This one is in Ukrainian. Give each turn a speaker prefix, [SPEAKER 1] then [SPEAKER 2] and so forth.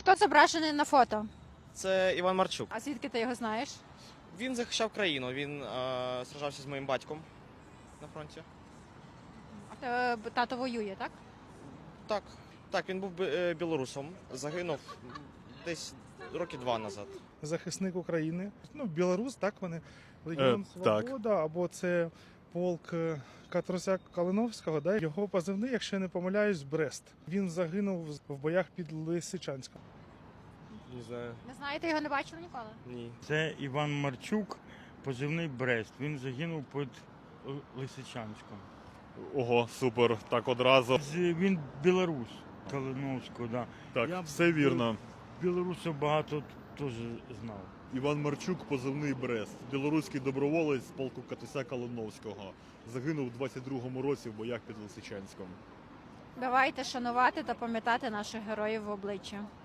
[SPEAKER 1] Хто зображений на фото?
[SPEAKER 2] Це Іван Марчук.
[SPEAKER 1] А звідки ти його знаєш?
[SPEAKER 2] Він захищав країну, він сражався з моїм батьком на фронті.
[SPEAKER 1] А в тебе тато воює, так?
[SPEAKER 2] Так, він був білорусом, загинув десь роки 2 назад.
[SPEAKER 3] Захисник України. Ну, білорус, так вони. Легіон Свобода, або це полк Катросяк Калиновського, да? Його позивний, якщо я не помиляюсь, Брест. Він загинув в боях під Лисичанськом.
[SPEAKER 2] Не знаю.
[SPEAKER 1] Не знаєте, його не бачили ніколи?
[SPEAKER 2] Ні.
[SPEAKER 4] Це Іван Марчук, позивний Брест. Він загинув під Лисичанськом.
[SPEAKER 5] Ого, супер, так одразу.
[SPEAKER 4] Він білорус Калиновського, да.
[SPEAKER 5] Так,
[SPEAKER 4] Я
[SPEAKER 5] все вірно.
[SPEAKER 4] Білорусів багато теж знав.
[SPEAKER 5] Іван Марчук, позивний Брест, білоруський доброволець з полку Катуся Калиновського. Загинув у 22-му році в боях під Лисичанськом.
[SPEAKER 1] Давайте шанувати та пам'ятати наших героїв в обличчя.